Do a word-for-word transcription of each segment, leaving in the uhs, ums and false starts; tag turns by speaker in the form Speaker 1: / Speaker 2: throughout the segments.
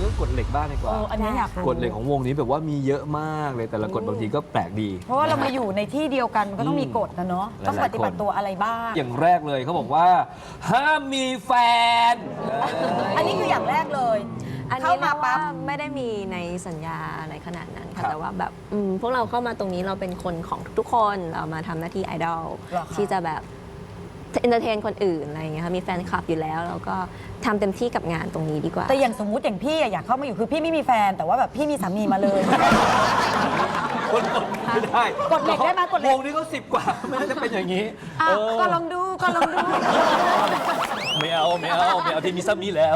Speaker 1: รื่องกฎเหล็กบ้างดีกว่า
Speaker 2: เอออันนี้อยากรู้
Speaker 1: กฎเหล็กของวงนี้แบบว่ามีเยอะมากเลยแต่ละกฎบางทีก็แปลกดี
Speaker 2: เพราะว่าเรามาอยู่ในที่เดียวกันมันก็ต้องมีกฎนะเนาะ
Speaker 1: หลายๆ
Speaker 2: ต้องปฏิบัติตัวอะไรบ้าง
Speaker 1: อย่างแรกเลยเขาบอกว่า ห้ามมีแฟน
Speaker 2: อันนี้คืออย่างแรกเลย
Speaker 3: อัน
Speaker 2: เข้า
Speaker 3: นี้
Speaker 2: มา
Speaker 3: มา
Speaker 2: ปั๊
Speaker 3: ปั๊
Speaker 2: บบ
Speaker 3: ไม่ได้มีในสัญญาอะไรขนาดนั้น
Speaker 1: ครั
Speaker 3: ค่ะ
Speaker 1: บ
Speaker 3: แต่ว่าแบบอืมพวกเราเข้ามาตรงนี้เราเป็นคนของทุกๆคนเรามาทำหน้าที่ไอดอล
Speaker 2: เหรอคะ
Speaker 3: ที่จะแบบเอนเตอร์เทนคนอื่นอะไรอย่างเงี้ยค่ะมีแฟนคลับอยู่แล้วเราก็ทำเต็มที่กับงานตรงนี้ดีกว่า
Speaker 2: แต่อย่างสมมุติอย่างพี่อะอยากเข้ามาอยู่คือพี่ไม่มีแฟน แต่ว่าแบบพี่มีสามีมาเลย
Speaker 1: คนกดไม่ได้
Speaker 2: กฎเหล็กได้ไหมกฎเหล็ก
Speaker 1: วงนี้ก็สิบกว่าไม่น่าจะเป็นอย่างนี้
Speaker 2: อ่ะ
Speaker 1: เออ
Speaker 2: ก็ลองดูก็ลองดู
Speaker 1: ไม่เอาไม่เอาไม่เอาที่มีซ้ำนี้แล้ว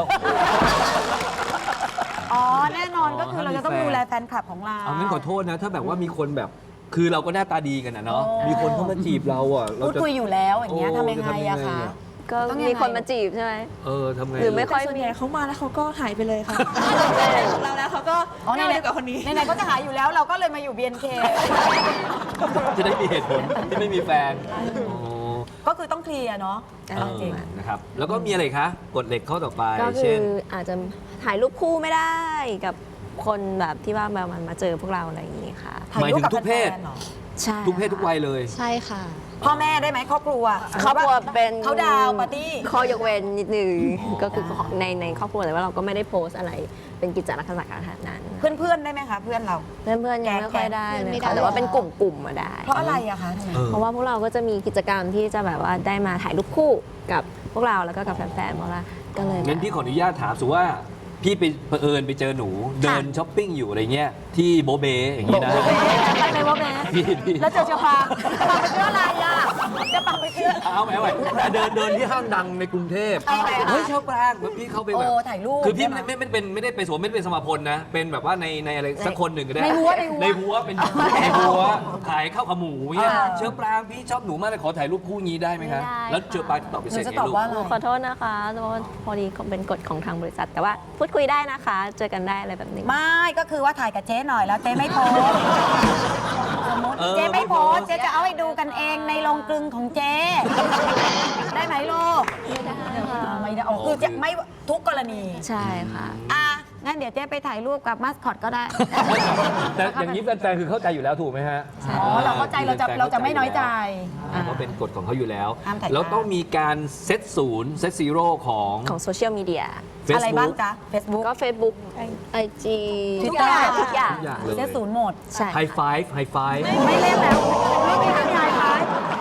Speaker 2: อ๋อแน่นอนก็คือเราจะต้อง
Speaker 1: ห้ามมีแฟน
Speaker 2: ดูแลแฟนคลับของเรา
Speaker 1: เอางั้นขอโทษนะ ถ้าแบบว่ามีคนแบบคือเราก็หน้าตาดีกันนะเนาะ
Speaker 2: โอ้
Speaker 1: มีคนเข้ามาจีบเราอ่ะเรา
Speaker 2: พูด
Speaker 1: จะ
Speaker 2: คุยอยู่แล้วอย่างเงี้ย
Speaker 1: โอ้
Speaker 2: ทำยังไง
Speaker 1: จะทำยัง
Speaker 2: อะ
Speaker 1: ไง
Speaker 2: คะ
Speaker 1: อะ
Speaker 3: ก็
Speaker 2: ต้องยังไง
Speaker 3: มีคนมาจีบใช่ไหม
Speaker 1: เออทำไง
Speaker 3: หรือไม่ค่อย
Speaker 4: แต่ส่วนใหญ่เขามาแล้วเขาก็หายไปเลยค่ะของเราแล้วเขาก็
Speaker 2: อ๋อ
Speaker 4: ไม่
Speaker 2: ไหน
Speaker 4: เอาดีกว่าคนนี้
Speaker 2: ไหนๆก็จะหาอยู่แล้วเราก็เลยมาอยู่ บี เอ็น เค
Speaker 1: จะได้มีเหตุผลที่ไม่มีแฟนอ๋อ
Speaker 2: ก็คือต้องเคลียร์เนาะ
Speaker 3: เอ
Speaker 1: เอ
Speaker 3: อ
Speaker 1: อนะครับ แล้วก็มีอะไรคะกฎเหล็กข้อต่อไป
Speaker 3: ก็คื
Speaker 1: เช่
Speaker 3: อน อาจจะถ่ายรูปคู่ไม่ได้กับคนแบบที่ว่าแบบมันมาเจอพวกเราอะไรอย่างนี้ค่ะ
Speaker 2: ถ่ายรูปกับ
Speaker 1: หมายถึงทุกเพศ
Speaker 2: แฟนๆหรอ
Speaker 3: ใช่
Speaker 1: ทุกเพศทุกวัยเลย
Speaker 5: ใช่ค่ะ
Speaker 2: พ่อแม่ได้ไหมครอบครัว
Speaker 3: ครอบครัวเป็น
Speaker 2: เขาดาวน์ปาร์ตี้
Speaker 3: ข้อยกเว้นนิดนึง
Speaker 1: อ๋อ
Speaker 3: ก็คือในในครอบครัวแต่ว่าเราก็ไม่ได้โพสต์อะไรเป็นกิจลักษณะขนาดนั้น
Speaker 2: เพื่อนๆได้ไหมคะเพื่อนเรา
Speaker 3: เพื่อนๆยังไม่ค่อยได้เลย
Speaker 5: ไม่ได้
Speaker 3: ค่ะแต่ว่าเป็นกลุ่มๆมาได้
Speaker 2: เพราะอะไรอะคะทำไม
Speaker 1: เออ
Speaker 3: เพราะว่าพวกเราก็จะมีกิจกรรมที่จะแบบว่าได้มาถ่ายรูปคู่กับพวกเราแล้วก็กับแฟนๆเพราะว่าก็เลย
Speaker 1: งั้นพี่ขออนุญาตถามสุว่าพี่ไปเผอิญไปเจอหนูเดินช้อปปิ้งอยู่อะไรเงี้ยที่โบเบอย่างนี้นะ
Speaker 2: ไปไหนวะแม่
Speaker 1: พี่พี่
Speaker 2: แล้วเจอเชอปางปางไปเชื่ออะไรอะจะปางไปเชื่อ
Speaker 1: เอาไหมเอาไหมแต่เดินเดินที่ห้างดังในกรุงเทพ
Speaker 2: เอาไหมคะ
Speaker 1: เฮ้ยชอบปรางแบบพี่เข้าไปแบบ
Speaker 2: โอ้ถ่ายรูป
Speaker 1: คือพี่
Speaker 2: ใช่
Speaker 1: ไม่
Speaker 2: ไหม
Speaker 1: ไม่ไม่เป็นไม่ได้ไปสวมไม่ได้เป็นสมาพลนะ เป็นแบบว่าในในอะไรสักคนหนึ่งก็ได้
Speaker 2: ในหัวใน
Speaker 1: ใน
Speaker 2: หัว
Speaker 1: หัวเป็นในหัวขายข้าวขาหมูเนี่ย
Speaker 2: อ่า
Speaker 1: เชอปรางพี่ชอบหนูมากเลยขอถ่ายรูปคู่งี้ได้ไหมคะ
Speaker 3: ไม่ได้
Speaker 1: แล้วเชอปรางตอบไป
Speaker 2: ห
Speaker 1: เส
Speaker 2: นู
Speaker 1: ร็จ
Speaker 2: จะ
Speaker 1: ไง
Speaker 2: ตอบ
Speaker 1: ลูก
Speaker 2: ว่าอะไร
Speaker 3: ขอโทษนะคะเพราะว่าพอดีเป็นกฎของทางบริษัท แต่ว่าพูดคุยได้นะคะ เจอกันได้อะไรแบบนี้
Speaker 2: ไม่ก็คือว่าถ่ายกับเจ๊หน่อยแล้วเจ๊ไม่โพสต์สมมติ
Speaker 1: เออ
Speaker 2: เจ๊ไม่โพสต์
Speaker 1: ไม่โพสต์
Speaker 2: เจ๊จะเอาให้ดูกันเองในโรงกลึงของเจ๊ได้ไหมลูก
Speaker 3: ไม่ได้ค่ะ
Speaker 2: อ่าไม่ได้อ๋อคือจะไม่ทุกกรณี
Speaker 3: ใช่ค่ะ
Speaker 2: อ่ะงั้นเดี๋ยวเจ๊ไปถ่ายรูปกับมาสคอตก็ได้
Speaker 1: แต่อย่างนี้แฟนๆคือเข้าใจอยู่แล้วถูกไหมฮะ
Speaker 2: อ๋อเราเข้าใจเราจะเราจะไม่น้อยใจ
Speaker 1: อ่าเพราะเป็นกฎของเขาอยู่แล้ว
Speaker 2: ห้ามถ่าย
Speaker 1: แล้วต้องมีการเซตศูนย์เซตซีโร่ของ
Speaker 3: ของโซเชียลมีเดีย
Speaker 2: อะไรบ้าง
Speaker 1: Facebook
Speaker 2: จ๊ะ Facebook
Speaker 3: ก็ Facebook ไอ จี
Speaker 2: Twitter
Speaker 3: ทุกอย่าง
Speaker 1: ทุกอย่างเลย
Speaker 2: เจ๊ศูนย์หมด
Speaker 3: ใช่
Speaker 1: ไฮไฟฟ์ไฮไฟฟ์
Speaker 2: ไม่เล่นแล้วไม่มีทางยายไป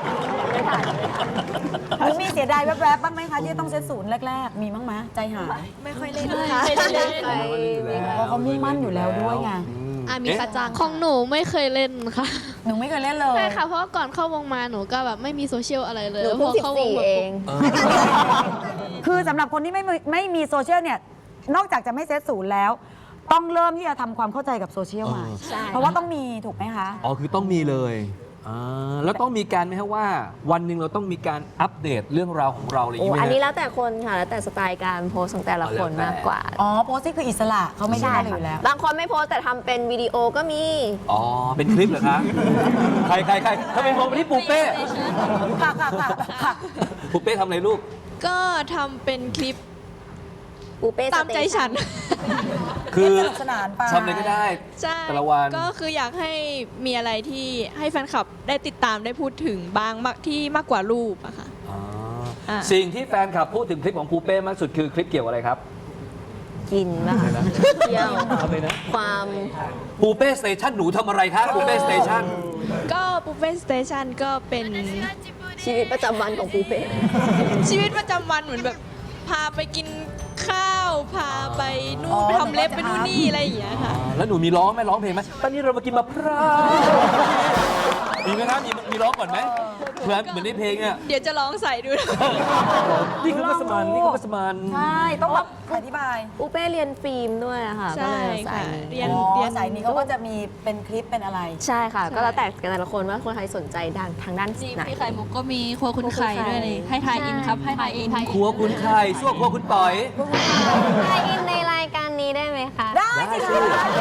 Speaker 2: หรือมีเสียดายแวบๆบ้างไหมคะที่ต้องเซตศูนย์แรกๆ มีบ้างไหมใจหาย
Speaker 4: ไม่ค่อยเล่นค่ะ
Speaker 2: เพราะเขามุ่งมั่นอยู่แล้วด้วยไง
Speaker 5: อ่ะมี
Speaker 1: เอ๊ะ
Speaker 5: กระจังของหนูไม่เคยเล่นค่ะ
Speaker 2: หนูไม่เคยเล่นเลย
Speaker 5: ใช่ค่ะ เพราะว่าก่อนเข้าวงมาหนูก็แบบไม่มีโซเชียลอะไรเลย
Speaker 3: หนูเพิ่ง
Speaker 5: พ
Speaker 3: สิบ
Speaker 5: เข้าวง
Speaker 3: สี่
Speaker 5: มา
Speaker 3: เอ
Speaker 5: ปุ๊บ
Speaker 3: ง
Speaker 1: เออ
Speaker 2: คือสำหรับคนที่ไม่มีไม่มีโซเชียลเนี่ย นอกจากจะไม่เซตศูนย์แล้ว ต้องเริ่มที่จะทำความเข้าใจกับโซเชียลใหม่
Speaker 3: ใช่
Speaker 2: เพราะว่าต้องมีถูกไหมคะ
Speaker 1: อ๋อคือต้องมีเลยอ่าแล้วต้องมีการไหมครับว่า วันหนึ่งเราต้องมีการอัปเดตเรื่องราวของเราอะไรอย่าง
Speaker 3: โอ้
Speaker 1: นี้ไหม
Speaker 3: อันนี้
Speaker 1: ฮะ
Speaker 3: แล้วแต่คนค่ะ แล้วแต่สไตล์การโพสต์ของแต่ละคน
Speaker 1: เอาแล้วแต่
Speaker 3: มากกว่า
Speaker 2: อ๋อโพสต์ที่คืออิสระเขาไม่ได้อะไรอยู่แล้ว
Speaker 3: บางคนไม่โพสต์แต่ทำเป็นวิดีโอก็มี
Speaker 1: อ๋อ เป็นคลิปเหรอคะ ใครใครใครทำไมมองไปที่ปูเป้
Speaker 2: ค่ะค่ะค่ะค่ะ
Speaker 1: ปูเป้ทำอะไรลูก
Speaker 4: ก็ทำเป็นคลิป
Speaker 3: ปูเป้
Speaker 4: ตามใจฉัน
Speaker 1: คือ
Speaker 2: สนุกสนานไป
Speaker 1: ทำอะไรก็ได้
Speaker 4: ใช่
Speaker 1: แต่ละวัน
Speaker 4: ก็คืออยากให้มีอะไรที่ให้แฟนคลับได้ติดตามได้พูดถึงบางมากที่มากกว่ารูปอะค่ะ
Speaker 1: อ๋อ
Speaker 4: อ่า
Speaker 1: สิ่งที่แฟนคลับพูดถึงคลิปของปูเป้มากสุดคือคลิปเกี่ยวอะไรครับ
Speaker 3: กินบ้าง
Speaker 1: อะไรนะ
Speaker 3: เที่ยว
Speaker 1: ทำเลยนะ
Speaker 3: ความ
Speaker 1: ปูเป้สเตชันหนูทำอะไรคะปูเป้สเตชัน
Speaker 4: ก็ปูเป้สเตชันก็เป็น
Speaker 3: ชีวิตประจำวันของปูเป้
Speaker 4: ชีวิตประจำวันเหมือนแบบพาไปกินข้าว พาไปนู่
Speaker 2: อ๋
Speaker 4: น
Speaker 2: อ
Speaker 4: ไปทำเล็บไปนู่นนี่อะไรอย่างเงี้ยค่ะ
Speaker 1: แล้วหนูมีร้องไหมร้องเพลงไหมตอนนี้เรามากินมะพร้าวมีไหมครับมีมีร้องก่อนไหมเหมือนเหมือนในเพลงอ่ะ
Speaker 4: เดี๋ยวจะลองใส่ดู
Speaker 1: นี่คือมัสมันนี่คือมัสมัน
Speaker 2: ใช่ต้องแบบอธิบาย
Speaker 3: ปูเป้เรียนฟิล์มด้วยอะค่ะก็
Speaker 4: ใช่
Speaker 3: เลยสา
Speaker 4: ค่ะ
Speaker 3: ยนี้
Speaker 4: เรียน
Speaker 2: อ๋อ
Speaker 4: เรียน
Speaker 2: สายนี้เขาก็จะมีเป็นคลิปเป็นอะไร
Speaker 3: ใช่ค่ะ
Speaker 4: ใช่
Speaker 3: ก็แล้วแต่แต่ละคนว่าคนใครสนใจด้านทางด้าน
Speaker 6: จริง
Speaker 3: ไหน
Speaker 6: พี่ไข่มุกก็มีครัวคุณไข่ด้วยเลยให้ทายอินครับ ให้ทายอิน
Speaker 1: ครัวคุณไข่ซั่วครัวคุณต่อย
Speaker 3: ไทยอินในรายการนี้ได้ไหมคะ
Speaker 2: ได้สิคะ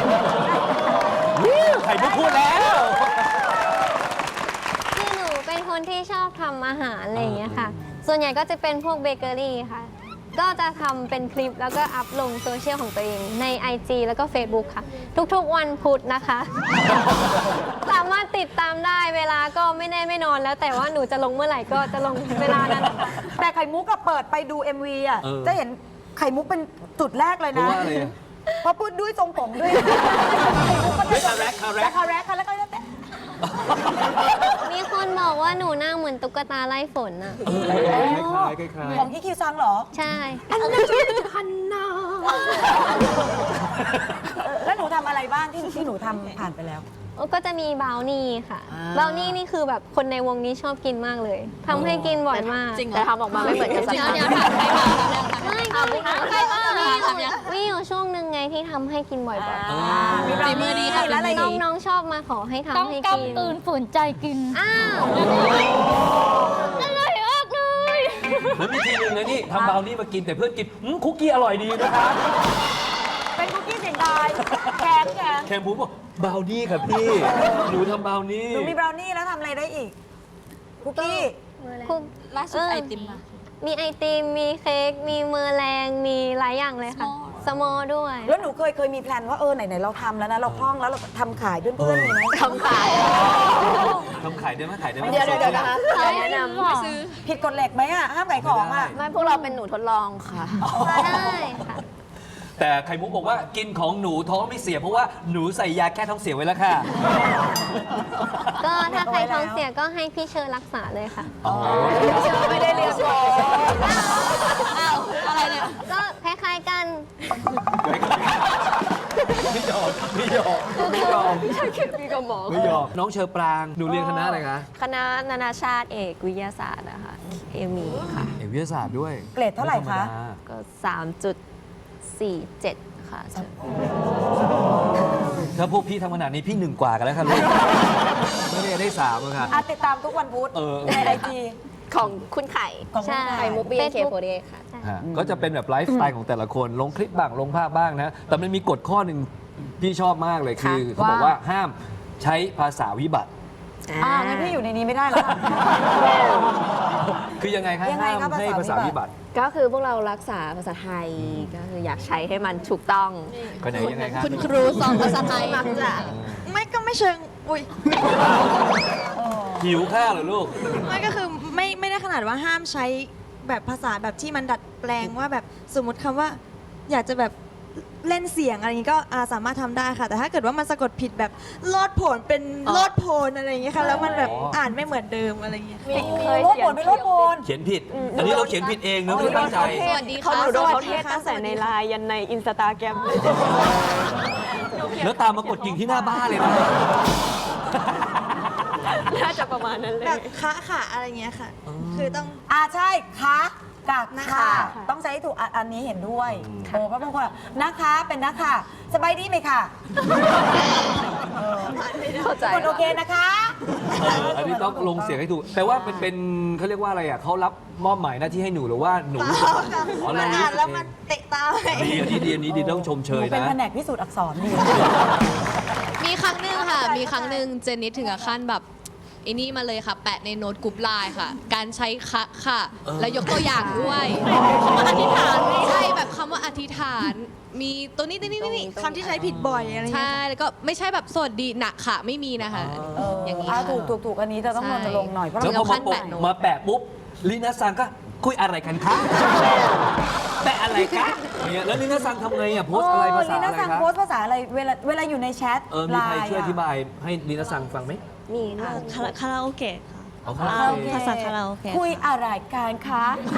Speaker 1: ไข่มุกพูดแล้ว
Speaker 7: คือหนูเป็นคนที่ชอบทำอาหารอะไรอย่างเงี้ยค่ะ ส่วนใหญ่ก็จะเป็นพวกเบเกอรี่ค่ะ
Speaker 1: อ
Speaker 3: ก็จะทำเป็นคลิปแล้วก็อัพลงโซเชียลของตัวเองใน ไอ จี แล้วก็ Facebook ค่ะ ทุกๆวันพุธนะคะ สามารถติดตามได้เวลาก็ไม่แน่ไม่นอนแล้วแต่ว่าหนูจะลงเมื่อไหร่ก็จะลงเวลานั้นนะคะ
Speaker 2: แต่ไข่มุกก็เปิดไปดู เอ็ม วี อ่ะ
Speaker 1: เออ
Speaker 2: จะเห็นไข่มุกเป็นจุดแรกเลย
Speaker 1: เพราะ
Speaker 2: นะ
Speaker 1: ว่าอะไรอะ
Speaker 2: เพราะพูดด้วยทรงผมด้วยไข่มุกก็
Speaker 1: เฮ้ยคาแรคคาแรค
Speaker 2: คาแรคค่ะแล้วก็แต่
Speaker 3: มีคนบอกว่าหนูหน้าเหมือนตุ๊กตาไล่ฝนอะ
Speaker 1: เออคล้ายๆคล้าย
Speaker 2: ของอีคิวซังเหรอ
Speaker 3: ใช่
Speaker 2: แล้วหนูทำอะไรบ้างที่ที่หนูทำผ่านไปแล้ว
Speaker 3: ก็จะมีบราวนี่ค่ะ
Speaker 2: อ่า
Speaker 3: บราวนี่นี่คือแบบคนในวงนี้ชอบกินมากเลยทำให้กินบ่อยมาก
Speaker 6: จริงเหรอ
Speaker 3: แต่ทำออกมาไม่เหมือนกันสัก
Speaker 6: เดี๋ยว
Speaker 3: ครั้ง
Speaker 6: เดี๋ยวถามใครมา
Speaker 3: ไม่ก็มี
Speaker 6: ถามใครมาถามยัง
Speaker 3: มีอยู่ช่วงหนึ่งไงที่ทำให้กินบ่อย
Speaker 2: อ่ามี
Speaker 6: ฝีมือดีค่ะ
Speaker 2: แล้วอะไร
Speaker 3: ๆ
Speaker 2: อีก
Speaker 3: น้องๆชอบมาขอให้ทำ
Speaker 7: ต้อง
Speaker 3: ให้กิน
Speaker 7: กำตื่นฝืนใจกิน
Speaker 3: อ้าวอร่อยมากเลย
Speaker 1: ๆแล้วมีทีนึงนะนี่ทำบราวนี่มากินแต่เพื่อนกินอืมคุกกี้อร่อยดีนะคะ
Speaker 2: เป็นคุกกี้เสียงดายแข็งแข็ง
Speaker 1: แคมพูบอกบราวนี่ค่ะพี่ หนูทำบราวนี่
Speaker 2: หนูมีบราวนี่แล้วทำอะไรได้อีก คุกกี้
Speaker 3: คุก
Speaker 6: ล่าสุดไอติมมา
Speaker 3: มีไอติม มีเค้ก มีเมอร์แรง มีหลายอย่างเลยค่ะ สมอด้วย
Speaker 2: แล้วหนูเคยเคยมีแพลนว่าเออไหนๆเราทำแล้วนะ เราคล่องแล้วเราทำขายเพื่อนๆมีไหม
Speaker 3: ทำขาย
Speaker 1: ทำขายได้ไหมขายได้ไหม
Speaker 3: เดี๋ยวเดี๋ยวนะคะแนะนำ
Speaker 6: ไปซื้อ
Speaker 2: ผิดกฎเหล็กไหมอ่ะ ห้ามขายของอ่ะ
Speaker 3: ไม่พวกเราเป็นหนูทดลองค่ะได้ค่ะ
Speaker 1: แต่ไข่มุกบอกว่ากินของหนูท้องไม่เสียเพราะว่าหนูใส่ยาแก้ท้องเสียไว้แล้วค่ะ
Speaker 3: ก็ถ้าใครท้องเสียก็ให้พี่เชิญรักษาเลยค่ะ
Speaker 1: อ๋อ
Speaker 2: ไม่ได้เรียนหรอ
Speaker 6: อ้าว อะไรเนี่ย
Speaker 3: ก็คล้ายๆกัน
Speaker 1: ไม่ยอมไม่ยอมไม่ยอม
Speaker 3: ใช่คือพี่กับหมอ
Speaker 1: ไม่ยอมน้องเชอปรางหนูเรียนคณะอะไรคะ
Speaker 3: คณะนานาชาติเอกวิทยาศาสตร์นะคะเอมีค่ะ
Speaker 1: เอกวิทยาศาสตร์ด้วย
Speaker 2: เกรดเท่าไหร่คะ
Speaker 1: ม่ธมดา
Speaker 3: ก็ สามจุดสี่เจ็ด ค่ะ
Speaker 1: ถ้าพวกพี่ทำขนาดนี้พี่หนึ่งกว่ากันแล้วค่ะลูก ไม่ได้ได้สามอะค่ะ
Speaker 2: อ่ะติดตามทุกวันพุธ
Speaker 1: เออ
Speaker 2: ในไอจี
Speaker 3: ของคุณไข่
Speaker 2: ของคุณไข่
Speaker 3: ใช่มุกบีเคโฟเดค่ะ
Speaker 1: ฮะก็จะเป็นแบบไลฟ์สไตล์ของแต่ละคน ลงคลิปบ้าง ลงภาพบ้างนะ แต่มันมีกฎข้อหนึ่งพี่ชอบมากเลยคือ เขาบอกว่าห้ามใช้ภาษาวิบัติ
Speaker 2: อ่างั้นพี่อยู่ในนี้ไม่ได้แล้วค่ะ
Speaker 1: คือยังไงคะ
Speaker 2: ยังไง
Speaker 1: ห้าม
Speaker 2: คะ
Speaker 1: ให้ภา
Speaker 2: ภา
Speaker 1: ษา
Speaker 2: ษาวิ
Speaker 1: วิ
Speaker 2: บั
Speaker 1: บั
Speaker 2: ติ
Speaker 1: ติ
Speaker 3: ก็คือพวกเรารักษาภาษาไทยก็คืออยากใช้ให้มันถูกต้อง
Speaker 1: ก็ไหนยังไงคะ
Speaker 6: คุณครูสอนภาษาไทย
Speaker 3: มักจะ
Speaker 4: ไม่ก็ไม่เชิง อุ้ย
Speaker 1: หิวข้าวเหรอลูก
Speaker 8: ไม่ก็คือไม่ไม่ได้ขนาดว่าห้ามใช้แบบภาษาแบบที่มันดัดแปลงว่าแบบสมมติคำว่า อยากจะแบบเล่นเสียงอะไรอย่างนี้ก็อ่าสามารถทำได้ค่ะ แต่ถ้าเกิดว่ามันสะกดผิดแบบโลดโผนเป็นโลดโพนอะไรอย่างเงี้ยค่ะแล้วมันแบบ
Speaker 1: อ๋ออ่
Speaker 8: อ่านไม่เหมือนเดิมอะไรอย่างเงี้ย
Speaker 2: โลดโผนเป็นโลดโผน
Speaker 1: เขียนผิด อันนี้เราเขียนผิดเองนะไม่ได้ตั้งใจ
Speaker 6: สวัสดี
Speaker 3: เขา
Speaker 6: ค่ะ
Speaker 3: หนูโดนเขาเทศตั้งแต่ในไลน์ยันในอินสตาแกรม
Speaker 1: แล้วตามมากดกิ่งที่หน้าบ้านเลยนะ
Speaker 3: น่าจะประมาณนั้นเลย
Speaker 8: แบบคะค่ะอะไรเงี้ยค่ะ คือต้อง
Speaker 2: อ่าใช่คะกับ
Speaker 8: นะ
Speaker 2: ค่ะ
Speaker 8: คะ
Speaker 2: ต้องใช้ให้ถูกอ่ะอันนี้เห็นด้วยโอ้เพราะบางคนอ่ะนะคะเป็นนะคะสบายดีไหมค่ะเออ
Speaker 3: เข้าใจ
Speaker 2: ทุกคนโอเคนะคะ
Speaker 1: เอออันนี้ต้องลงเสียงให้ถูก แต่ว่าเป็นเป็นเขาเรียกว่าอะไรอ่ะเขารับมอบหมายหน้าที่ให้หนูหรือว่าหนูรู้สึกอ๋อเรา
Speaker 8: มัน
Speaker 1: รู้
Speaker 8: อ่าน
Speaker 1: สึก
Speaker 8: แล้ว
Speaker 1: เอ
Speaker 8: มัน
Speaker 1: ง
Speaker 8: เตะตา
Speaker 1: ดีอันนี้ดีอันนี้ดีต้องชมเช
Speaker 2: หนู
Speaker 1: ย
Speaker 2: เป็น
Speaker 1: นะ
Speaker 2: แผนกพิสูจน์อักษรดี
Speaker 4: มีครั้งหนึ่งค่ะ มีครั้งหนึ่งเจนนิสถึงกับขั้นแบบไอ้นี่มาเลยค่ะ แปะในโน้ตกรุ๊ปไลน์ค่ะ การใช้คะค่ะ
Speaker 1: เออ
Speaker 4: แล้วยกตัวอย่างด้วยคำว่าอธิษฐานใช่แบบคำว่าอธิษฐาน มีตัวนี้ตัวนี้ตัวนี้
Speaker 8: คำที่ใช้ผิดบ่อยอะไรเงี้ย
Speaker 4: ใช่ แล้วก็ไม่ใช่แบบสวัสดีหนักค่ะ ไม่มีนะคะ อย่างนี้
Speaker 2: อ่า
Speaker 4: ค่ะ
Speaker 2: ถูกถูกถูกอันนี้จะต้อง
Speaker 4: ใช่
Speaker 2: รณรงค์หน่อยเพราะ
Speaker 1: แล้ว
Speaker 2: เรา
Speaker 1: พอมา
Speaker 4: ขั้นแปะโน้ต
Speaker 1: มาแปะปุ๊บลีน่าซังก็คุยอะไรกันคะแปะอะไรคะเนี่ยแล้วลีน่าซังทำไงอ่ะโพสต์อะไรภาษา
Speaker 2: ลี
Speaker 1: อะไร
Speaker 2: น่าสั่ง
Speaker 1: คะ
Speaker 2: โพสต์ภาษาอะไรเวลาเวลาอยู่ในแชท
Speaker 1: เออมีใคร
Speaker 2: ไลน์
Speaker 1: ช่วยอธิบายให้ลีน่าซังฟังไหม
Speaker 3: มีค่ะ
Speaker 8: คาราคาราโอเกะค่ะ
Speaker 1: เอาครั
Speaker 2: โอเค
Speaker 8: ภาษาคาราโอเกะ
Speaker 2: คุยอะไรกันคะ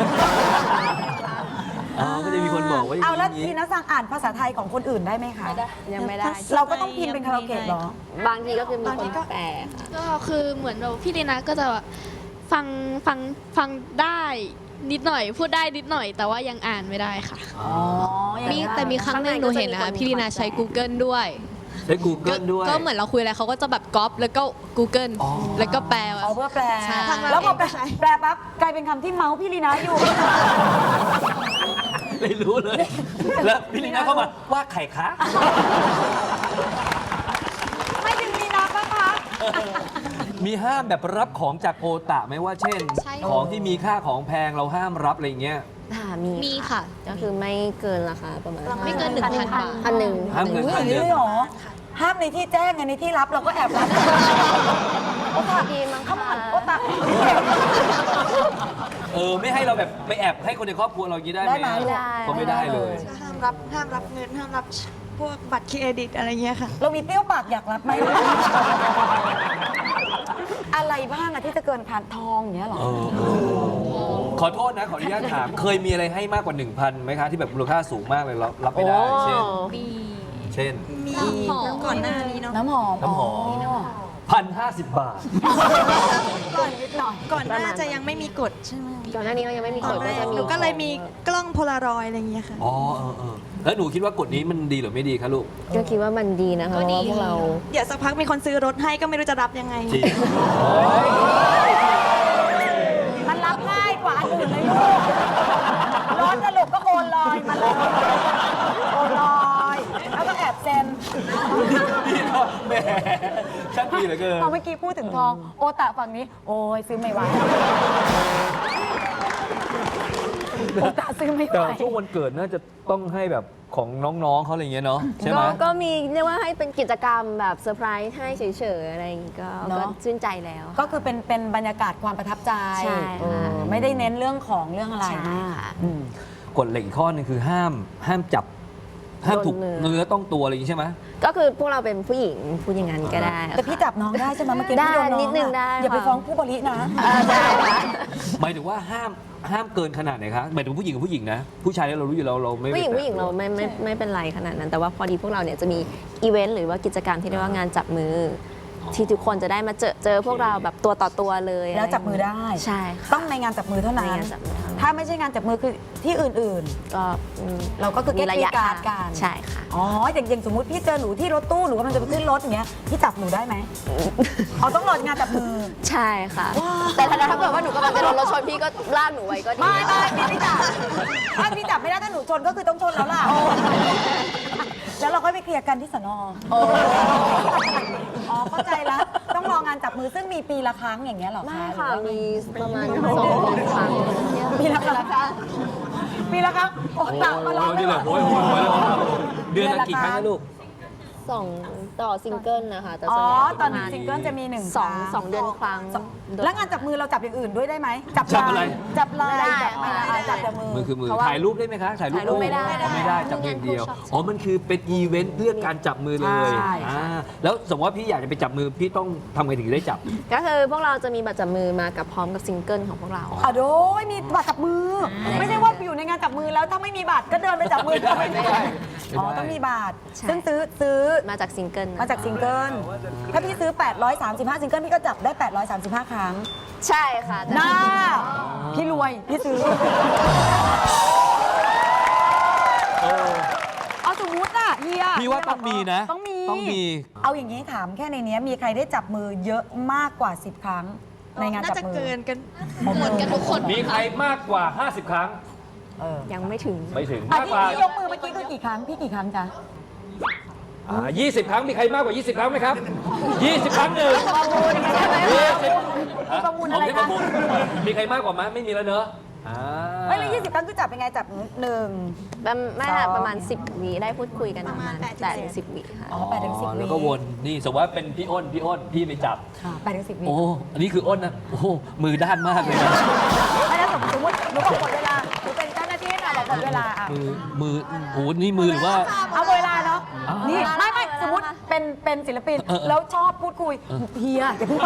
Speaker 1: อ๋อก็จะมีคนบอกว่าอย่าง
Speaker 2: เอาแล้ว
Speaker 1: นี้
Speaker 2: ลีน่าสั่งอ่านภาษาไทยของคนอื่นได้ไหมคะ
Speaker 3: ยังไม่ได้
Speaker 2: เราก็ต้องพิมพ์เป็นคาราโอเกะเหรอ
Speaker 3: บางทีก็คือมีคนแปลค่ะ
Speaker 5: ก็คือเหมือนแบบพี่ลีนาก็จะแบบฟังฟังฟังได้นิดหน่อยพูดได้นิดหน่อย แต่ว่ายังอ่านไม่ได้ค่ะ
Speaker 2: อ๋ออย่าง
Speaker 4: มี
Speaker 2: นั้น
Speaker 4: แต่มีครั้งหนึ่งหนูเห็นนะคะพี่ลีนาใช้ Google ด้วย
Speaker 1: ใช้ Google ด้วย
Speaker 4: ก็เหมือนเราคุยอะไรเขาก็จะแบบก๊อปแล้วก็ Google
Speaker 1: อ๋อ
Speaker 4: แล้วก็แปล
Speaker 2: เอาเพื่อแปล
Speaker 4: ใช่
Speaker 2: แล้วพอแปลแปลปั๊บกลายเป็นคำที่เมาส์พี่ลีนาอยู่
Speaker 1: ไม่รู้เลย แล้วพี่ลีน่าเข้ามาว่าไข่คะ
Speaker 2: ไม่ถึงลีนาปะคะ
Speaker 1: มีห้ามแบบรับของจากโอตะไหมว่าเช่น
Speaker 4: ใช่
Speaker 1: ของที่มีค่าของแพงเราห้ามรับอะไรอย่างเงี้ย
Speaker 3: ค่ะมี
Speaker 4: มีค่ะ
Speaker 3: ก็คือไม่เกินราคาประมาณ
Speaker 4: ไม่เกินหนึ่งพันบาท
Speaker 3: พันหนึ่ง
Speaker 1: ห้ามเกิน
Speaker 2: อุ้ย
Speaker 1: พัน
Speaker 2: อย่าง
Speaker 1: ห
Speaker 2: นี้
Speaker 1: นึ่ง
Speaker 2: เลยเหรอ ห้ามในที่แจ้งไงในที่รับเราก็แอบรับโอตา
Speaker 3: ดีมั้ง
Speaker 2: เข้ามา
Speaker 3: คะ
Speaker 2: โอตา
Speaker 1: เออไม่ให้เราแบบไปแอบให้คนในครอบครัวเราอย่างนี้ได้ไหม
Speaker 2: ได้ไหม
Speaker 1: อะก็ไม่ได้เลย
Speaker 8: ห้ามรับห้ามรับเงินห้ามรับพวกบัตรเครดิตอะไรเงี้ยค่ะ
Speaker 2: เรามีเปรี้ยวปากอยากรับไหม อะไรบ้างอะที่จะเกินผ่านทองอย่างเงี้ยเหรอ
Speaker 1: เออเออขอโทษนะ ขออนุญาตถาม เคยมีอะไรให้มากกว่า หนึ่งพัน ไหมคะ ที่แบบมูลค่าสูงมากเลยเรารับไม่ได้ เช่น
Speaker 4: มี
Speaker 1: เช่น
Speaker 8: มี
Speaker 4: น้ำหอม
Speaker 8: ก่อนหน้านี้เนาะ
Speaker 2: น้ำหอม
Speaker 1: น้ำหอม พันห้าสิบบาท
Speaker 2: ก่อนนิดหน่อย
Speaker 8: ก่อนหน้าจะยังไม่มีกฎใช่ไหม
Speaker 3: ก่อนหน้านี้เรายังไม่มี
Speaker 8: ต
Speaker 3: ก
Speaker 8: อน
Speaker 3: ฎ
Speaker 8: แร
Speaker 3: ก็
Speaker 8: ก
Speaker 3: จะมี
Speaker 8: หนูก็เลยมีกล้องโพลารอยด์อะไรเงี้ยค่ะ
Speaker 1: อ๋อเออเออแล้วหนูคิดว่ากฎนี้มันดีหรือไม่ดีคะลูก
Speaker 3: ก็คิดว่ามันดีนะคะเพราะว่าพวกเรา
Speaker 8: เดี๋ยวสักพักมีคนซื้อรถให้ก็ไม่รู้จะรับยังไง
Speaker 1: จริง
Speaker 2: มันรับง่ายกว่าอันอื่นเลยลูกร้อนสรุปก็โอนลอยมาเลยโอนลอยแล้วก็แอบเซ็น
Speaker 1: พี่ก็แหมช่างดีเหลือเกิน
Speaker 2: พอเมื่อกี้พูดถึงทอง โอตะฝั่งนี้ โอ้ยซื้อไม่ไหวโอตะซื้อไม่ไห
Speaker 1: แต่
Speaker 2: ว
Speaker 1: ช่วงวันเกิดน่าจะต้องให้แบบของน้องๆเขาอะไรอย่างเงี้ยเนาะใช่ไหม
Speaker 3: ก็ก็มีเรียกว่าให้เป็นกิจกรรมแบบเซอร์ไพรส์ให้เฉยๆอะไรอย่างงี้ก็
Speaker 2: เนอะ
Speaker 3: ก็ชื่นใจแล้ว
Speaker 2: ก็คือเป็นเป็นบรรยากาศความประทับใจ
Speaker 3: ใช่ค่ะ
Speaker 2: เออไม่ได้เน้นเรื่องของเรื่องอะไร
Speaker 3: ใช่
Speaker 2: มาก
Speaker 3: ค่ะ
Speaker 2: อืม
Speaker 1: กฎเหล็กอีกข้อหนึงคือห้ามห้ามจับ ห้ามถูก
Speaker 3: โดนมือ
Speaker 1: เนื้อต้องตัวอะไรอย่างงี้ใช่ไหม
Speaker 3: ก็คือพวกเราเป็นผู้หญิงพูดอย่างนั้นก็ได้
Speaker 2: แต่พี่จับน้องได้ใช่ไหมเมื่อกี้
Speaker 3: ได้
Speaker 2: พี่โดนน้อง
Speaker 3: นิดนึง
Speaker 2: อะ
Speaker 3: ได้
Speaker 2: อย่าไป
Speaker 3: ค่ะ
Speaker 2: ฟ้องผู้บรินะ
Speaker 3: เออได้ค่ะ
Speaker 1: หมายถึงว่าห้ามห้ามเกินขนาดไหนคะหมายถึงผู้หญิงกับผู้หญิงนะ ผู้ชายเนี่ยเรารู้อยู่แล้วเราไม่
Speaker 3: ผู้หญิง
Speaker 1: ไปแตะ
Speaker 3: ผู้หญิงเราไม่ไม่ไม่เป็นไรขนาดนั้น แต่ว่าพอดีพวกเราเนี่ยจะมีอีเวนต์หรือว่ากิจกรรมที่เรียกว่างานจับมือ ที่ทุกคนจะได้มาเจอเจอพวกเราแบบตัวต่อตัวเลย
Speaker 2: แล้วจับมือได้
Speaker 3: ใช่ค่ะ
Speaker 2: ต้องในงานจับมือเท่านั้น
Speaker 3: ในงานจับมือเท่านั้น
Speaker 2: ถ้าไม่ใช่งานจับมือคือที่อื่น
Speaker 3: ก็อืม
Speaker 2: ๆ เราก็คือ
Speaker 3: มีระยะ
Speaker 2: การ
Speaker 3: ห่าง
Speaker 2: กัน
Speaker 3: ใช่ค่ะ
Speaker 2: อ๋ออย่างอย่างสมมติพี่เจอหนูที่รถตู้หรือว่ามันจะไปขึ้นรถอย่างเงี้ยพี่จับหนูได้ไหมอ๋อต้องรองานจับมือ
Speaker 3: ใช่ค่ะ แต่ถ้าถ้าเกิดว่าหนูกำลังจะโดนรถชนพี่ก็ลากหนูไว้ก็ดี
Speaker 2: ไม่ไม่พี่ไม่จับถ้าพี่จับไม่ได้ถ้าหนูชนก็คือต้องชนแล้วล่ะแล้วเราก็ไปเคลียร์กันที่สนออ๋อเข้าใจแล้วต้องรองานจับมือซึ่งมีปีละครั้งอย่างเงี้ยเหรอคะ
Speaker 3: ไม่ค่ะ
Speaker 2: หรือว่า
Speaker 3: มีประมาณสองครั้ง
Speaker 2: ปีละครั้งปีละครั้งโอ้ตักมาลอง
Speaker 1: นี่แหละโอ้ยโอ้ยโอ้ยเดือนละกี่ครั้งนะลูก
Speaker 3: สองต่อซิงเกิลนะคะแต่
Speaker 2: อ๋
Speaker 3: ส่
Speaker 2: อ
Speaker 3: วนใหญ่
Speaker 2: ตอนหนึ่งซิงเกิลจะมีหนึ่ง
Speaker 3: สอง
Speaker 2: ครั้
Speaker 3: สองเดือนครั้ง
Speaker 2: แล้วงานจับมือเราจับอย่างอื่นด้วยได้ไหมจับ
Speaker 1: จับอะไร
Speaker 2: ลายจับลาย
Speaker 3: ไม่ได้
Speaker 2: จับอะไรอ่ะจับแต่มือ
Speaker 1: มือคือมือ
Speaker 3: เพราะว่า
Speaker 1: ถ่ายรูปได้ไหมคะถ่ายรูป
Speaker 3: ถ่ายรูปไม่ได้
Speaker 1: อ๋อไม่ได้จับมืออย่างเดียวอ๋อมันคือเป็นอีเวนต์เพื่อการจับมือเลย
Speaker 2: ใช่
Speaker 1: อ่าแล้วสมมติว่าพี่อยากจะไปจับมือพี่ต้องทำไงถึงได้จับ
Speaker 3: ก็คือพวกเราจะมีบัตรจับมือมากับพร้อมกับซิงเกิลของพวกเรา
Speaker 2: อ่ะโดยมีบัตรจับมือ ไม่ใช่ว่าอยู่ในงานจับมือแล้วถ้าไม่มีบัตรก็เดินไปจับมือ
Speaker 1: ไม่ได้ไม่ได้
Speaker 2: อ๋อต้องมีบัตร
Speaker 3: ใช่
Speaker 2: ซึ่งซื้อซื้อ
Speaker 3: มาจากซิงเกิลนะ
Speaker 2: มาจากซิงเกิลถ้าพี่ซื้อ แปดร้อยสามสิบห้า ซิงเกิลพี่ก็จับได้ แปดร้อยสามสิบห้า ครั้ง
Speaker 3: ใช่ค่ะแต่
Speaker 2: หน้าพี่รวย พี่ซื้อเอาสมมุติอะเฮีย
Speaker 1: พี่ว่าต้องมีนะ
Speaker 2: ต้องมี
Speaker 1: ต้องมี
Speaker 2: เอาอย่างนี้ถามแค่ในเนี้ยมีใครได้จับมือเยอะมากกว่า สิบ ครั้ง ในงาน
Speaker 8: น่า
Speaker 2: จับ
Speaker 8: จะ
Speaker 2: มือ
Speaker 8: เกินกัน
Speaker 4: หมดกันทุกคน
Speaker 1: มีใครมากกว่า ห้าสิบ ครั้ง
Speaker 3: ยังไม่ถึง
Speaker 1: ไม่ถึง
Speaker 2: อ่ะ
Speaker 1: มาก
Speaker 2: ที่
Speaker 1: กว่า
Speaker 2: ที่ยกมือเมื่อกี้คือกี่ครั้ง พี่กี่ครั้งจ๊ะ
Speaker 1: อ่ายี่สิบ ครั้งมีใครมากกว่า ยี่สิบ ครั้งไหมครับ ยี่สิบ ครั้งหนึ่ง
Speaker 2: ประมูลใช่ไหม
Speaker 1: ยี่สิบ
Speaker 2: ประมูลอะไร
Speaker 1: ผมที่
Speaker 2: คะ
Speaker 1: ประมูลมีใครมากกว่าไหมไม่มีแล้วเนอะอ่า
Speaker 2: ไม่เลยยี่สิบครั้งคือจับเป็นไงจับหนึ่ง
Speaker 3: ประมาณไม่ค่ะ
Speaker 2: สอง
Speaker 3: ประมาณสิบวิได้พูดคุยกันประมาณ
Speaker 8: ประมาณ
Speaker 3: แปดถึงสิบวิค่ะ
Speaker 2: อ๋อแปดถึงสิบวิ
Speaker 1: แล้วก็วนนี่สมมติว่าเป็นพี่อ้นพี่อ้นพี่ไปจับ
Speaker 2: ค่ะแปดถึงสิบวิ
Speaker 1: โอ้อันนี้คืออ้นนะโอ้โหมือด้านมากเลยนะ
Speaker 2: ไม่ได้สมมติหนูบอกหมดเวลาหนูเป็นเจ้าหน้าที่ให้หน่อยบอกหมดเวลาอ่ะ
Speaker 1: มือมือโอ้โหนี่มือหรือว่า
Speaker 2: เอาเวลาเนาะ
Speaker 1: อ่านี่
Speaker 2: นี่ไม่ไม่สมมติเป็นเป็นศิลปิน
Speaker 1: เออเออ
Speaker 2: แล้วชอบพูดคุยเฮียอย่าเพิ่งไป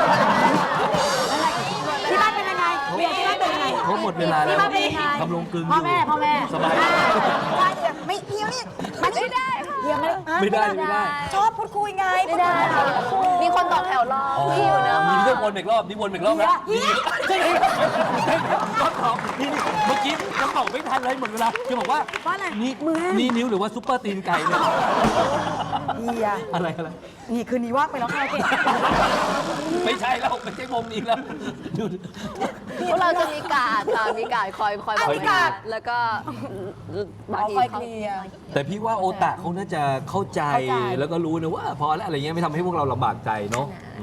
Speaker 2: ที่บ้านเป็นยังไงเฮียที่บ้านเป็นยังไง
Speaker 1: เขาหมดเวลาแล้ว
Speaker 2: ที่บ้านเป็นยังไง
Speaker 1: ทำลงกลึง
Speaker 2: พ่อแม่
Speaker 1: ยู่
Speaker 2: พ่อแม่
Speaker 1: สบาย
Speaker 2: อ่ใช่แต่ไม่เฮียเนี่ยมันไม่ได้เฮียไม่ได้ฮะ
Speaker 1: ไม่ได้ไม่ได้
Speaker 2: ชอบพูดคุยไง
Speaker 3: ไม่ได้ค่ะมีคนต่อแถวรอ
Speaker 1: อ๋อ
Speaker 3: พี่อยู่นะ
Speaker 1: มีเรื่องวนอีกรอบนี่วนอีกรอบ
Speaker 2: เฮี
Speaker 1: แล้
Speaker 2: ยว เฮีย
Speaker 1: รอบสองนี่นี่เมื่อกี้ยังบอกไม่ทันเลยหมดเวลาจะบอกว่า
Speaker 2: ว่าอะไร
Speaker 1: นี่
Speaker 2: มือ
Speaker 1: นี่นิ้วหรือว่าซุปเปอร์ตีนไก่เนี่ย
Speaker 2: เฮีย
Speaker 1: อะไรอะไร
Speaker 2: นี่คืนนี้ว่างไปแล้วค่ะโอเค
Speaker 1: ไม่ใช่แล้วไม่ใช่วงนี้แล้วดู
Speaker 3: พวกเราจะมีการ์ดค่ะมีการ์ดคอยคอย
Speaker 2: อ่ะ
Speaker 3: บ
Speaker 2: มีการ์ด
Speaker 3: แล้วก็บาง
Speaker 2: เอา
Speaker 3: ที
Speaker 2: คอย
Speaker 3: เขา
Speaker 2: เคลียร์
Speaker 1: แต่พี่ว่าโอตะเขาน่าจะเข้าใจ
Speaker 2: เข้าใจ
Speaker 1: แล้วก็รู้นะว่าพอแล้วอะไรเงี้ยไม่ทำให้พวกเราลำบากใจเนาะอืม
Speaker 3: ไม่มี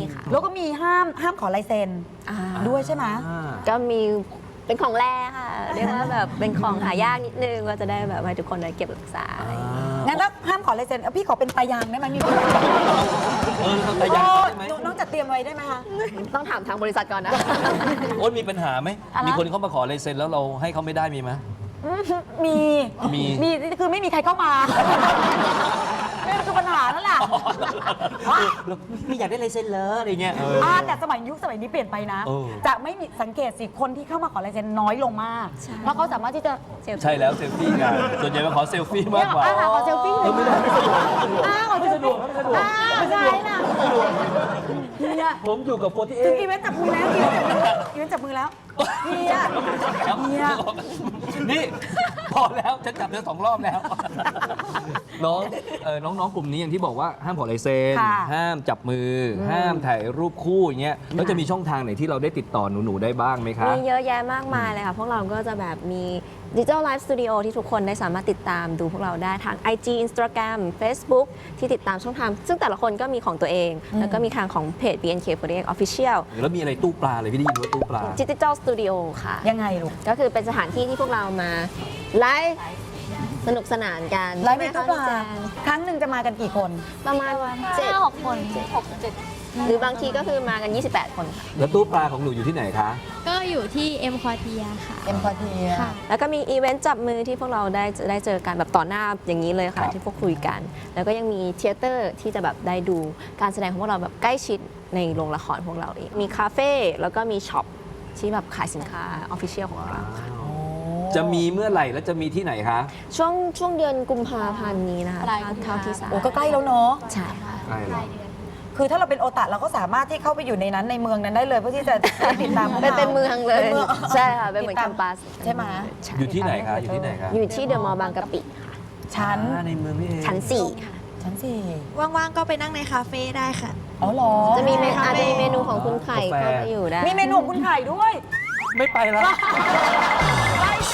Speaker 3: ค่ะ
Speaker 2: แล้วก็มีห้ามห้ามขอลายเซ็นด้วยใช่ไหม
Speaker 1: อ่า
Speaker 3: ก็มีเป็นของแร่ค่ะ เรียกว่าแบบเป็นของหายากนิดนึงก็จะได้แบบให้ทุกคนได้เก็บรักษาอะไรอย่างเงี้ย
Speaker 2: งั้นถ้าห้ามขอลายเซ็นเอาพี่ขอเป็นตายางได้ไหมมี
Speaker 1: เออทำแต่ยัง
Speaker 2: โอ้
Speaker 1: ได้ไหม
Speaker 2: น้องจัดเตรียมไว้ได้ไหมคะ
Speaker 3: ต้องถามทางบริษัทก่อนนะ
Speaker 1: โอ๊ตมีปัญหาไหม
Speaker 2: อะไร
Speaker 1: มีคนเข้ามาขอลายเซ็นแล้วเราให้เขาไม่ได้มีไหม
Speaker 2: มี
Speaker 1: มี
Speaker 2: มีคือไม่มีใครเข้ามานี่คือปัญหานั่นแหละ
Speaker 1: เราไม่อยากได้ลายเซ็นเลยอะไรเงี้ยเออ
Speaker 2: อ่าแต่สมัยยุคสมัยนี้เปลี่ยนไปนะ
Speaker 1: เออ
Speaker 2: จะไม่มีสังเกตสิคนที่เข้ามาขอลายเซ็นน้อยลงมาก เพราะเขาสามารถที่จะ
Speaker 1: ใช่แล้วเซลฟี่กันส่วนใหญ่มาขอเซลฟี่มากกว่า
Speaker 2: อ่าขอเซลฟี่
Speaker 1: เออไม่ได้ไม่สะดวกไม่สะดวก
Speaker 2: อ้าว
Speaker 1: ไม่สะดวกไม่สะดวก
Speaker 2: อ้าวใช่น่ะเนี่ย
Speaker 1: ผมอยู่กับโฟร์ตี้เอ
Speaker 2: ถึงอีเวนต์จับมือแล้วอีเวนต์จับมือแล้วอีเวนต์จับมือแล้วเนี่ย
Speaker 1: นี่พอแล้วฉันจับเธอสองรอบแล้ว น้องเออน้องๆกลุ่มนี้อย่างที่บอกว่าห้ามขอลายเซ็น
Speaker 2: ค่ะ
Speaker 1: ห้ามจับมืออห้ามถ่ายรูปคู่อย่างเงี้ยแล้วจะมีช่องทางไหนที่เราได้ติดต่อหนูๆได้บ้างไหมคะ
Speaker 3: มีเยอะแยะมากมายเลยค่ะ พวกเราก็จะแบบมี Digital Live Studio ที่ทุกคนได้สามารถติดตามดูพวกเราได้ทาง ไอ จี Instagram Facebook ที่ติดตามช่องทาง ซึ่งแต่ละคนก็มีของตัวเอง แล้วก็มีทางของเพจ บี เอ็น เค โฟร์ตี้เอ็ก Official
Speaker 1: แล้วมีอะไรตู้ปลาเลยพี่ได้ยินว่าตู้ปลา
Speaker 3: Digital Studio ค่ะ
Speaker 2: ยังไงลูก
Speaker 3: ก็คือเป็นสถานที่ที่พวกเรามาไลฟ์สนุกสนานกัน
Speaker 2: ไลฟ์ในตู้ปลา
Speaker 3: ใช่ไหมคะพี่แจง
Speaker 2: ครั้งหนึ่งจะมากันกี่คน
Speaker 3: ประมาณเจ็ด
Speaker 5: หกคน
Speaker 3: หกเจ็ดหรือบางทีก็คือมากัน ยี่สิบแปด คนค่ะ
Speaker 1: แล้วตู้ปลาของหนูอยู่ที่ไหนคะ
Speaker 5: ก็อยู่ที่เอ็มควอเทียค่ะ
Speaker 2: เอ็มพอที
Speaker 5: ค่ะ
Speaker 3: แล้วก็มีอีเวนต์จับมือที่พวกเราได้ได้เจอกันแบบต่อหน้าอย่างนี้เลย
Speaker 1: ครั
Speaker 3: ค่ะ
Speaker 1: บ
Speaker 3: ที่พวกคุยกัน แล้วก็ยังมีเทเตอร์ที่จะแบบได้ดูการแสดงของพวกเราแบบใกล้ชิดในโรงละครพวกเราเองมีคาเฟ่แล้วก็มีช็อปที่แบบขายสินค้าออฟฟิเชียลของเราค่ะ
Speaker 1: จะมีเมื่อไหร่และจะมีที่ไหนคะ
Speaker 3: ช่วงช่วงเดือนกุมภาพันธ์นี้นะคะ
Speaker 5: ปลายกุมภา
Speaker 3: เท่าที่ทราบ
Speaker 2: โอ้ก็ใกล้แล้วเนาะ
Speaker 3: ใช่ค่ะ
Speaker 1: ใช่เลย
Speaker 2: คือถ้าเราเป็นโอตาเราก็สามารถที่เข้าไปอยู่ในนั้นในเมืองนั้นได้เลยเพื่อที่จะได้ติดตามพวก
Speaker 3: เป็น
Speaker 2: รา
Speaker 3: เป็นเมืองเลย
Speaker 2: ป็นมือง
Speaker 3: ใช่ค่ะเป็นเหมือน
Speaker 2: ติด
Speaker 3: แค
Speaker 2: ตาม
Speaker 3: มปัส
Speaker 2: ใช่ไหม
Speaker 3: ใช่
Speaker 1: อยู่ที่ไหนคะอยู่ที่ไหนคะ
Speaker 3: อยู่ที่เดอะมอลล์บางกะปิค่ะ
Speaker 2: ชั้น
Speaker 1: อ่าในเมืองนี่เอง
Speaker 3: ชั้นสี่ค่ะ
Speaker 2: ชั้นสี่
Speaker 8: ว่างๆ ก็ไปนั่งในคาเฟ่ได้ค่ะ
Speaker 2: อ๋อเหรอ
Speaker 3: จะมีเมนู
Speaker 8: คาเฟ่
Speaker 3: อาจจะมีเมนูของคุณไข่เข้ามาอยู่ได้
Speaker 2: มีเมนูของคุณไข่ด้วย
Speaker 1: ไม่ไปแล้ว
Speaker 2: ไปสิ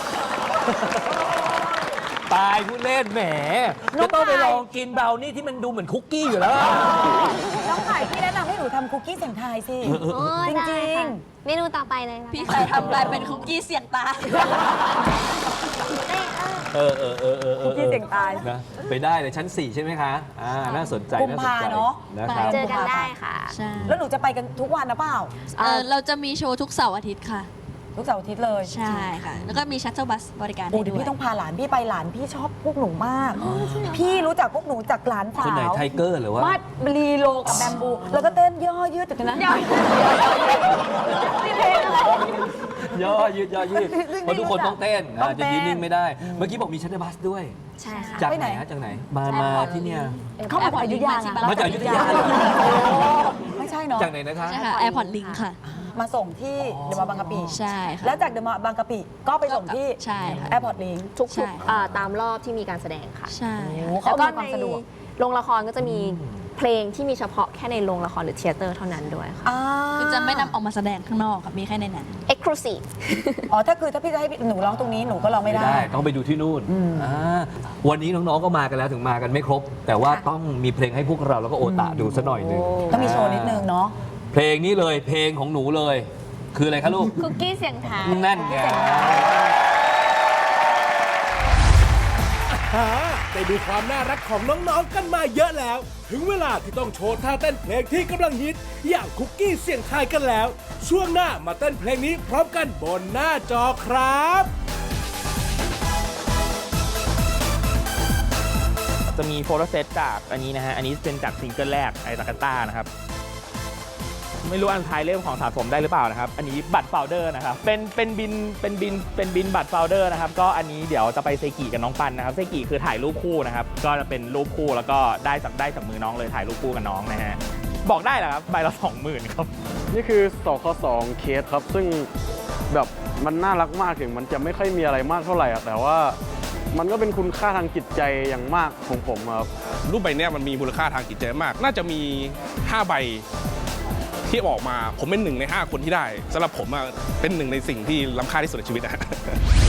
Speaker 1: ตายพูดเล่นแหม
Speaker 2: น้อง
Speaker 1: จะต้องไป
Speaker 2: ไข่
Speaker 1: ลองกินเบราวนี่ที่มันดูเหมือนคุกกี้อยู่แล้ว
Speaker 2: น้องไข่พี่แนะนำให้หนูทำคุกกี้เสียงไทายสิ
Speaker 3: โอ้
Speaker 2: จ
Speaker 3: ได้
Speaker 2: ริง
Speaker 3: ค่ะเมนูต่อไปเลยนะคะ
Speaker 6: พี่ใครทำลายเป็นคุกกี้เสียงตาย
Speaker 1: เออเออเออเออ
Speaker 2: ๆคุกกี้เสียงตาย
Speaker 1: นะไปได้เลยชั้น สี่ ใช่ไหมคะอ่าน่าสนใจ
Speaker 2: กุม
Speaker 1: น่าสน
Speaker 2: ภา
Speaker 1: ใจ
Speaker 2: เนอะ
Speaker 1: นะครับ
Speaker 3: เจอกันได้ค่ะ
Speaker 6: ใช่
Speaker 2: แล้วหนูจะไปกันทุกวันนะเปล่า
Speaker 6: เออเราจะมีโชว์ทุกเสาร์อาทิตย์ค่ะ
Speaker 2: ทุกเสาร์อาทิตย์เลย
Speaker 6: ใช่ค่ะ แล้วก็มีชัตเตอร์บัสบริการ
Speaker 2: โอ้
Speaker 6: ให้
Speaker 2: เดี๋ยว
Speaker 6: ด้วย
Speaker 2: พี่ต้องพาหลานพี่ไปหลานพี่ชอบพวกหนูมาก พี่รู้จักพวกหนูจากหลานสาว
Speaker 1: คนไหนไทเกอร์หรือว่า
Speaker 2: วาดลีโลกับแบมบู แล้วก็เต้นย่อยืดจากนั้นย่อยืดนี่เพลงอะไร
Speaker 1: ย่อยืดย่อยืดเพราะทุกคนต้องเต้น
Speaker 2: ต้
Speaker 1: อ่า
Speaker 2: องเต้
Speaker 1: จะ
Speaker 2: น
Speaker 1: ยืนนิ่งไม่ได้ เมื่อกี้บอกมีชัตเตอร์บัสด้วย
Speaker 3: ใช่ค่ะ
Speaker 1: จาก
Speaker 2: ไป
Speaker 1: ไห
Speaker 2: ไห
Speaker 1: น
Speaker 2: น
Speaker 1: ฮะจากไหน มามาที่เนี่ย
Speaker 2: เข้ามาจากอยุธยาไง
Speaker 1: มาจากอยุธยา
Speaker 2: โอ้ไม่ใช่เนาะ
Speaker 1: จากไหนนะคะ
Speaker 6: ใช่ค่ะแอร์พอร์ตลิงค่ะ
Speaker 2: มาส่งที่เดอะมอลล์บางกะปิ
Speaker 6: ใช่ค่ะ
Speaker 2: แล้วจากเดอะมอลล์บางกะปิก็ไปส่งที่
Speaker 6: ใช่ค่ะ
Speaker 2: แอร์พอร์ตลิง
Speaker 3: ทุก
Speaker 6: ใช่
Speaker 3: ๆอ่าตามรอบที่มีการแสดงค่ะ
Speaker 6: ใช่
Speaker 2: โอ้
Speaker 6: ค่ะ
Speaker 2: เขา
Speaker 3: แล้วก็
Speaker 2: อำนวยความ
Speaker 3: ใน
Speaker 2: สะดวก
Speaker 3: โรงละครก็จะมีเพลงที่มีเฉพาะแค่ในโรงละครหรือเทยเตอร์เท่านั้นด้วยค่ะ
Speaker 2: อ่า
Speaker 6: คือจะไม่นำออกมาแสดงข้างนอกค่ะ มีแค่ในนั้น
Speaker 3: Exclusive
Speaker 2: อ๋อถ้าคือถ้าพี่จะให้หนูร้องตรงนี้หนูก็ร้องไม่
Speaker 1: ไม่
Speaker 2: ได้
Speaker 1: ได้ต้องไปดูที่นู่นอ่าวันนี้น้องๆก็มากันแล้วถึงมากันไม่ครบ แต่ว่าต้องมีเพลงให้พวกเราแล้วก็โอตะดูซะหน่อยหนึ่ง
Speaker 2: ต้องมีโชว์นิดนึงเนาะ
Speaker 1: เพลงนี้เลยเพลงของหนูเลย คืออะไรคะลูก
Speaker 3: คุกกี้เสียงไทาย
Speaker 1: นั่นไง
Speaker 7: ฮ่าได้ดูความน่ารักของน้องๆกันมาเยอะแล้ว ถึงเวลาที่ต้องโชว์ท่าเต้นเพลงที่กำลังฮิต อย่างคุกกี้เสียงไทายกันแล้ว ช่วงหน้ามาเต้นเพลงนี้พร้อมกันบนหน้าจอครับ
Speaker 9: จะมีโฟโต้เซตจากอันนี้นะฮะ อันนี้เป็นจากซิงเกิลแรกไอตากาต้านะครับ ไม่รู้อันท้ายเล่มของสะสมได้หรือเปล่านะครับ อันนี้บัตรโฟลเดอร์นะครับ เป็นเป็นบินเป็นบินเป็นบินบัตรโฟลเดอร์นะครับ ก็อันนี้เดี๋ยวจะไปเซกิกับน้องปันนะครับ เซกิคือถ่ายรูปคู่นะครับ ก็จะเป็นรูปคู่แล้วก็ได้จากได้จากมือน้องเลยถ่ายรูปคู่กับน้องนะฮะ บอกได้เหรอครับ ใบละสองหมื่นครับ
Speaker 10: นี่คือสคสองเคสครับ ซึ่งแบบมันน่ารักมากถึงมันจะไม่ค่อยมีอะไรมากเท่าไหร่อะแต่ว่ามันก็เป็นคุณค่าทางจิตใจอย่างมากของผมครับ
Speaker 11: รูปใบเนี้ยมันมีมูลค่าทางจิตใจมาก น่าจะมีห้าใบที่ออกมา ผมเป็นหนึ่งในห้าคนที่ได้สำหรับผมอะเป็นหนึ่งในสิ่งที่ล้ำค่าที่สุดในชีวิตนะ